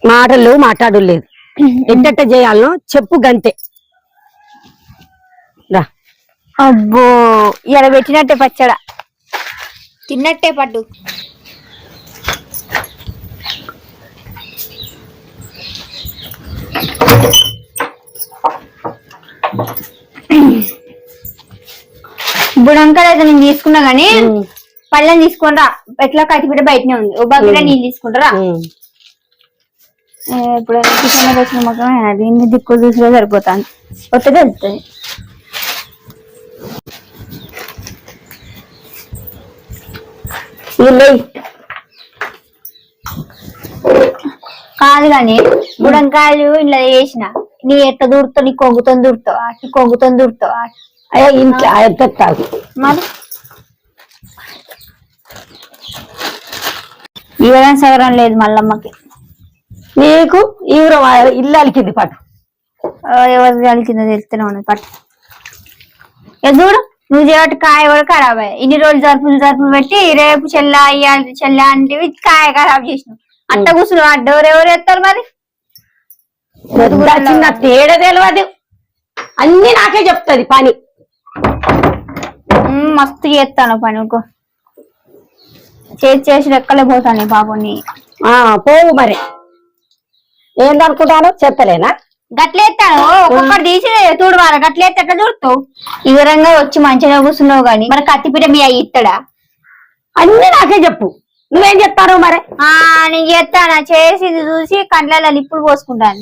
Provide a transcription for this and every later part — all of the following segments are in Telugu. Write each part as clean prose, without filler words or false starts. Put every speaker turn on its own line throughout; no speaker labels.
మాటలు మాట్లాడు లేదు. ఎట్టెట్ట చేయాలనో చెప్పు గంతే. రా.
అబ్బో ఇలా పెట్టినట్టే పచ్చడా తిన్నట్టే పట్టు. బుడంకాయలు అయితే నేను తీసుకున్నా గానీ పళ్ళని తీసుకుని రా. ఎట్లా కత్తిపీట బయటనే ఉంది. ఓ బకెట్ నీళ్ళు తీసుకుంటారా? ఇప్పుడు కిచెన్ లో వచ్చిన మొత్తం దీన్ని దిక్కు చూసిలో సరిపోతాను. కొత్త తెలుస్తుంది. కాదు కాని బుడంకాయలు ఇలా వేసిన నీ ఎట్ట దూరుతావు, నీ కొంగుతో దూరుతావు, నీ కొంగుతో దూరుతావు.
అయ్యో ఇంట్లో ఎత్తావు
మరి ఇవ్వడం సగరం లేదు మల్లమ్మకి.
నీకు ఈవరం ఇల్లు అలికింది పట్టు.
ఎవరి అలికిందో తెలుస్తూనే ఉన్నది పట్టు. చూడు నువ్వు చేయబట్టి కాయ కూడా ఖరాబ్ అయ్యాయి. ఇన్ని రోజులు జరుపులు పెట్టి రేపు చెల్లా ఇయ్యాలి చెల్లా అంటే కాయ ఖరాబ్ చేసినావు. అంత కూర్చున్నావు. ఆ డోర్ ఎవరు ఎత్తారు మరి?
చిన్న తేడా తెలియదు. అన్ని నాకే చెప్తుంది పని.
మస్తు చేస్తాను పని. ఇంకో చేసి రెక్కలే పోతాను పాపని.
పోవు మరి ఏందనుకుంటాను చెప్తలేనా?
గట్లేస్తాను ఒక్కొక్కటి తీసి చూడవాలి. గట్లేస్తే ఎట్లా చూడతావు? వివరంగా వచ్చి మంచిగా కూర్చున్నావు గాని మరి కత్తిపీట మీ అయ్యి ఇస్తాడా?
అన్ని నాకే చెప్పు. నువ్వేం చెప్తాను మరి?
నేను చేస్తాను. చేసి చూసి కండ్లలో నిప్పులు పోసుకుంటాను.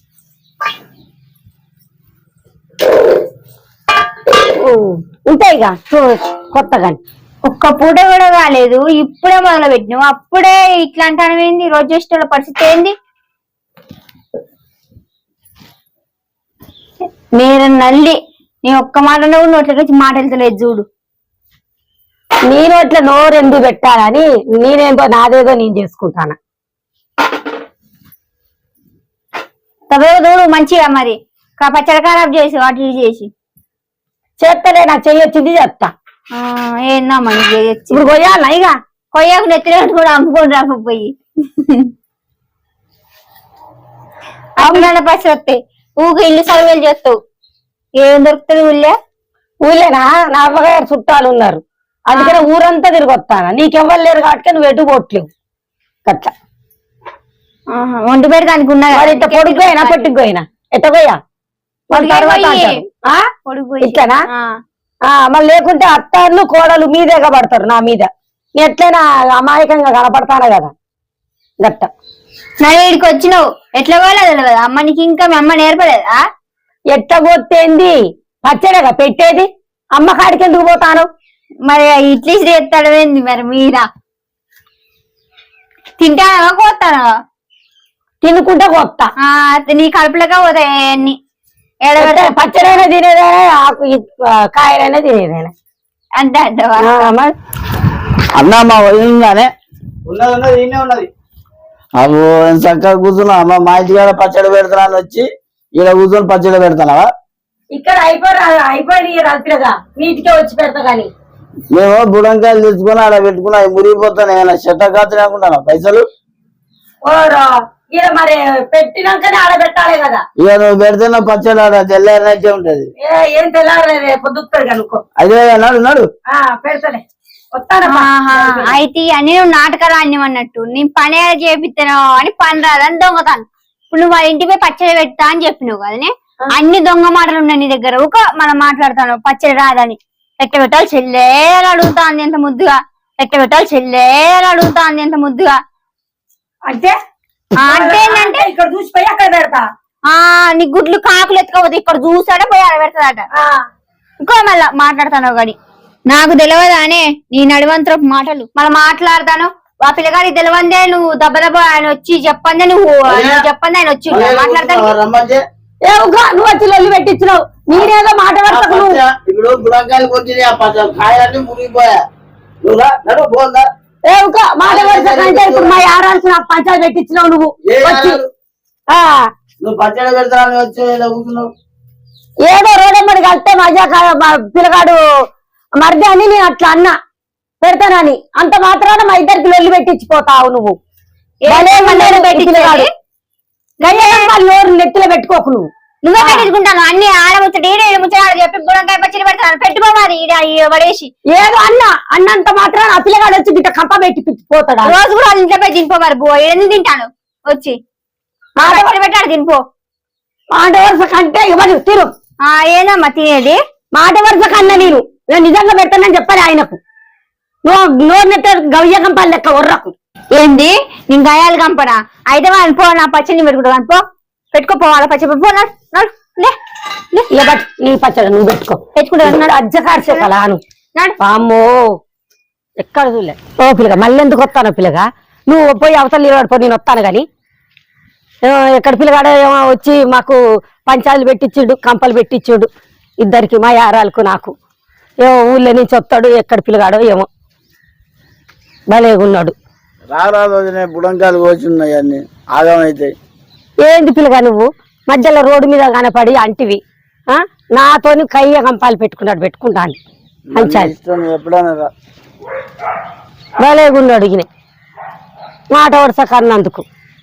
ఉంటాయిగా కొత్తగా.
ఒక్క పూట కూడా కాలేదు. ఇప్పుడే మొదలు పెట్టినావు. అప్పుడే ఇట్లా అంటాను ఏంది? రోజు చేసేటోళ్ళ పరిస్థితి ఏంది? నేను నల్లి నీ ఒక్క మాట నోట్లకి మాట వెళ్తలేదు చూడు.
నీ నోట్ల నోరెందుకు పెట్టాలని నేనేందో నాదేదో నేను చేసుకుంటాను.
చూడు మంచిగా మరి పచ్చడి ఖరాబ్ చేసి వాటి చేసి
చేస్తలే. నాకు చెయ్యొచ్చింది చెప్తా.
ఏందా మని చేయొచ్చు.
ఇప్పుడు కొయ్యాలా? ఇక
కొయ్యకు నెత్తినట్టు కూడా అమ్ముకొని రాకపోయి అమ్ముల పసి వస్తాయి. ఊకి ఇల్లు సర్వేలు చేస్తావు. ఏం దొరుకుతుంది ఊళ్ళే?
ఊళ్ళేనా? నా అమ్మగారు చుట్టాలు ఉన్నారు. అందుకనే ఊరంతా తిరిగి వస్తాను. నీకెవ్వరు లేరు కాబట్టి నువ్వు ఎటు పోట్లేవు. అట్లా
వండి పెడితే దానికి ఉన్నది.
ఇంత పొడిపోయినా పొట్టిపోయినా ఎట్ట పోయా ఇట్లనా? మళ్ళీ లేకుంటే అత్తాళ్ళు కోడలు మీదేగా పడతారు నా మీద. ఎట్లయినా అమాయకంగా కనపడతాను కదా. గట్ట
నా వీడికి వచ్చినావు. ఎట్లా పోలేదు కదా అమ్మ. నీకు ఇంకా మీ అమ్మ నేర్పలేదా?
ఎట్ట పోతేంది? పచ్చడిగా పెట్టేది. అమ్మ కాడికి ఎందుకు పోతాను?
మరి ఇడ్లీ చేస్తాడు ఏంది మరి? మీరా తింటానా కోస్తానా?
తినుకుంటే కొత్త
నీ కడుపులకే పోతాయి అన్ని.
పచ్చడైనా తినేదేనా, ఆకు కాయలైనా తినేదేనా
అంటే అంటవా?
అన్నా మా వదిలిందానే
ఉన్నది.
అవు చక్కగా కూర్చున్నా. అమ్మ మా ఇంటికాడ పచ్చడి పెడతానని వచ్చి ఇక్కడ కూర్చొని పచ్చడి పెడతానవా?
ఇక్కడ అయిపోయి రాత్రిగా నీటికే వచ్చి పెడతా. కానీ
మేము బుడంకాయలు తెచ్చుకొని ఆడ పెట్టుకున్నా. అవి మురిగిపోతాను. ఏమైనా చెట్ట కాచని అనుకుంటాను పైసలు.
ఇక మరి పెట్టినాకనే ఆడ పెట్టాలి కదా.
ఇక నువ్వు పెడితే నా పచ్చడి ఆడ తెల్లారినట్టే ఉంటది.
ఏం తెల్లారలేదు పొద్దుతాడు కనుక్కో.
అదే నాడు నాడు
పెడతలే.
అయితే అన్ని నువ్వు నాటకాలు అన్నట్టు నేను పని చేపిస్తాను అని పని రాదని దొంగతాను. ఇప్పుడు నువ్వు వాళ్ళ ఇంటిపై పచ్చడి పెడతా అని చెప్పినావు కదనే. అన్ని దొంగ మాటలు ఉన్నాయి నీ దగ్గర. ఒక మనం మాట్లాడతాను పచ్చడి రాదని. ఎట్ట పెట్టాలి చెల్లే అని అడుగుతా అంది ఎంత ముద్దుగా. ఎట్ట పెట్టాలి చెల్లే అని అడుగుతా అంది ఎంత ముద్దుగా.
అంటే
అంటే ఏంటంటే
ఇక్కడ చూసిపోయి అక్కడ పెడతా.
నీ గుడ్లు కాకులు ఎత్తుకోపోతే ఇక్కడ చూసాడే పోయి ఆడ పెడతాడట. ఇంకో మళ్ళా మాట్లాడతాను కానీ నాకు తెలియదానే నీ నడివంతరపు మాటలు. మళ్ళీ మాట్లాడతాను. ఆ పిల్లగాడికి తెలివందే నువ్వు దెబ్బ ఆయన వచ్చి చెప్పందే నువ్వు చెప్పండి ఆయన వచ్చి మాట్లాడతాను.
నువ్వు వచ్చి లొల్లి పెట్టించినావు. నేనేదో మాట పడతాను.
ఇప్పుడు బుడంకాయలు కొట్టి కాయలన్నీ మురిగిపోయా.
మాట పడతాకంటే ఇప్పుడు మా ఆరాల్సిన పంచాలు పెట్టించినావు నువ్వు వచ్చి.
నువ్వు పచ్చడి పెడతానని వచ్చి కూర్చున్నావు.
ఏదో రోడమ్మడి కలిస్తే మజా పిల్లగాడు మరిది అని నేను అట్లా అన్నా పెడతానని. అంత మాత్రాన మా ఇద్దరికి లొల్లి పెట్టించిపోతావు నువ్వు. నోరు నెత్తిలో పెట్టుకోకు నువ్వు.
నువ్వే పెట్టించుకుంటాను అన్ని ఆడముచ్చటి ముచ్చట చెప్పి బుడంకాయ పచ్చడి పెడతాను పెట్టుకోమాది పడేసి
ఏదో అన్నంత మాత్రం ఆ పిల్లగాడు వచ్చి గిట్ట కంప పెట్టి పోతాడా?
రోజు కూడా వాళ్ళ ఇంట్లో పోయి తినిపోమారు బో ఎందుకు తింటాను వచ్చి పచ్చడి పెట్టాడు తినిపో.
మాట వరుస కంటే ఇవ్వదు తిరు.
ఏదమ్మా తినేది?
మాట వరుస కన్నా నేను నిజంగా పెడతానని చెప్పాలి ఆయనకు. నోరు నెట్ట గవ్య కంపాలి లెక్క ఒర్రకు.
ఏంది నేను గయాలు కంపనా? అయితే వాళ్ళు పో నా పచ్చడిని పెట్టుకుంటా పో పెట్టుకోపో వాళ్ళ పచ్చడి పో
నీ పచ్చడి నువ్వు పెట్టుకుంటున్నాడు అజ్జకార్చే కదా అను. అమ్మో ఎక్కడ చూడలే. ఓ పిల్లగా మళ్ళీ ఎందుకు వస్తాను పిల్లగా? నువ్వు పోయి అవతల నిలబడిపో, నేను వస్తాను గాని. ఎక్కడ పిల్లగాడ ఏమో వచ్చి మాకు పంచాలు పెట్టించుడు, కంపలు పెట్టించుడు ఇద్దరికి, మా యారాలకు నాకు. ఏమో ఊళ్ళో నుంచి వస్తాడు, ఎక్కడ పిల్లగాడో ఏమో భలేగున్నాడు.
రారాదు బుడంకాయలు కోచున్నాయి అన్ని ఆగమైతే.
ఏంది పిల్లగా నువ్వు మధ్యలో రోడ్డు మీద కనపడి అంటివి? నాతోని కయ్య కంపాలు పెట్టుకుంటాను పంచాలి.
ఎప్పుడైనా
భలేగున్నాడు ఈయన మాట వరుస కన్నందుకు.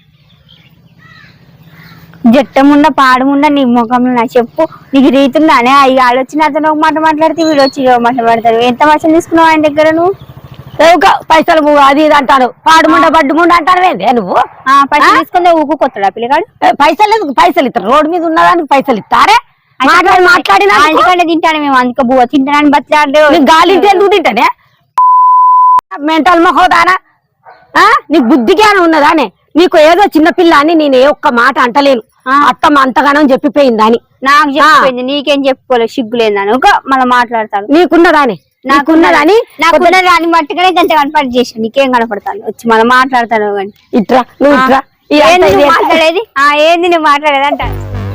జట్టముండ పాడముండ నీ ముఖంలో నా చెప్పు నీకు రీతుందానే అవి ఆడొచ్చిన అతను ఒక మాట మాట్లాడితే వీడు వచ్చి మాట్లాడతారు. ఎంత వర్షం తీసుకున్నావు ఆయన దగ్గర నువ్వు?
పైసలు అది ఇది అంటాను, పాడుముండ బడ్డుముండ అంటాను ఏందే నువ్వు?
పైసలు తీసుకుంటే ఊకుకొస్తాడా పిల్లగాడు?
పైసలు ఇస్తారు, రోడ్డు మీద ఉన్నదానికి పైసలు ఇస్తారే? మాట్లాడినా
తింటాను మేము అందుకే బువ్వ తింటానని బతిలాడే
గాలి ఎందుకు తింటానే? మెంటల్ మొహోదానా? నీకు బుద్ధి జ్ఞానం ఉన్నదానే? నీకు ఏదో చిన్నపిల్ల అని నేను ఏ ఒక్క మాట అంటలేను. అత్తమ్మ అంతగానం చెప్పిపోయిందని
నాకు చెప్పింది, నీకేం చెప్పుకోలేదు సిగ్గులేదని మళ్ళీ మాట్లాడతాను.
నీకున్నదాని నాకున్నదని
నాకున్నదాన్ని మట్టుగానే గంట కనపడి చేసాను, నీకేం కనపడతాను వచ్చి మళ్ళీ మాట్లాడతాను. కానీ
ఇట్రా నువ్వు ఇట్రా.
మాట్లాడేది ఏంది నువ్వు మాట్లాడేది అంట.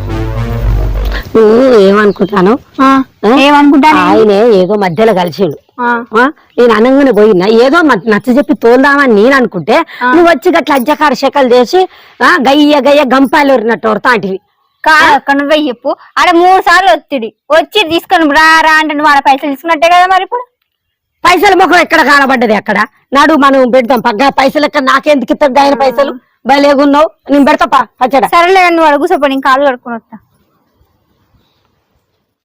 ఏమనుకుంటాను
ఏమనుకుంటాను
ఆయనే ఏదో మధ్యలో కలిసిండు. నేను అనగానే పోయినా ఏదో నచ్చ చెప్పి తోలుదామని నేను అనుకుంటే నువ్వు వచ్చి గట్ల అజ్జకార శకలు చేసి గయ్య గంపాలు ఎరినట్టు వరతాంటివి.
కాదక్క నువ్వే చెప్పు. ఆడ 3 సార్లు వచ్చి తీసుకొని రా అంటే నువ్వు ఆడ పైసలు తీసుకున్నట్టే కదా. మరి ఇప్పుడు
పైసల ముఖం ఎక్కడ కనబడ్డది? అక్కడ నాడు మనం పెడతాం పగ్గ పైసలు ఎక్కడ నాకెందుకు ఇస్తాడు ఆయన పైసలు? భలేగున్నావు, నేను పెడతా పచ్చడా.
సరేలే నువ్వు అడుగుసపో, నేను కాళ్ళు కడుక్కుని వస్తా.